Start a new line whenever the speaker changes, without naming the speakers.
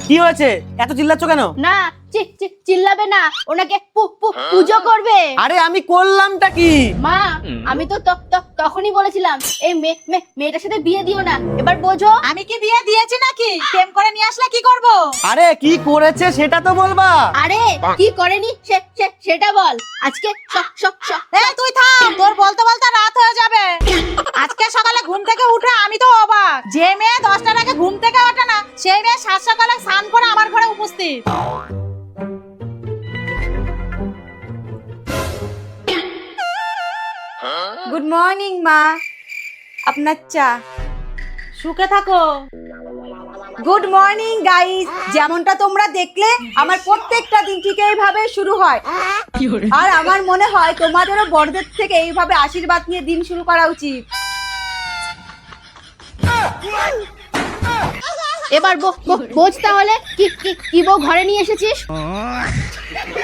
কি হয়েছে, এত চিল্লাচ্ছ কেন?
না চিল্লাবে না, ওনাকে পুজো করবে।
আরে আমি করলামটা কি?
মা আমি তো তখনই বলেছিলাম এই মেয়েটার সাথে বিয়ে দিও না, এবার বোঝো।
আমি কি বিয়ে দিয়েছি নাকি? প্রেম করে নিয়ে আসলে কি করব?
আরে কি করেছে সেটা তো বলবা।
আরে কি করেনি সেটা বল। আজকে
এই তুই থাম, তোর বলতে বলতে রাত হয়ে যাবে। আজকে সকালে ঘুম থেকে উঠে আমি তো অবাক, যে মেয়ে 10টার আগে ঘুম থেকে ওঠে না সেই মেয়ে সাত সকালে স্নান করে আমার ঘরে উপস্থিত।
গুড মর্নিং মা, আপনার চা।
সুখে থাকো।
গুড মর্নিং গাইস, যেমনটা তোমরা দেখলে আমার প্রত্যেকটা দিন ঠিক এইভাবে শুরু হয়। আর আমার মনে হয় তোমাদেরও বড়দের থেকে এইভাবে আশীর্বাদ নিয়ে দিন শুরু করা উচিত।
এবার বোঝ তাহলে কি বউ ঘরে নিয়ে এসেছিস।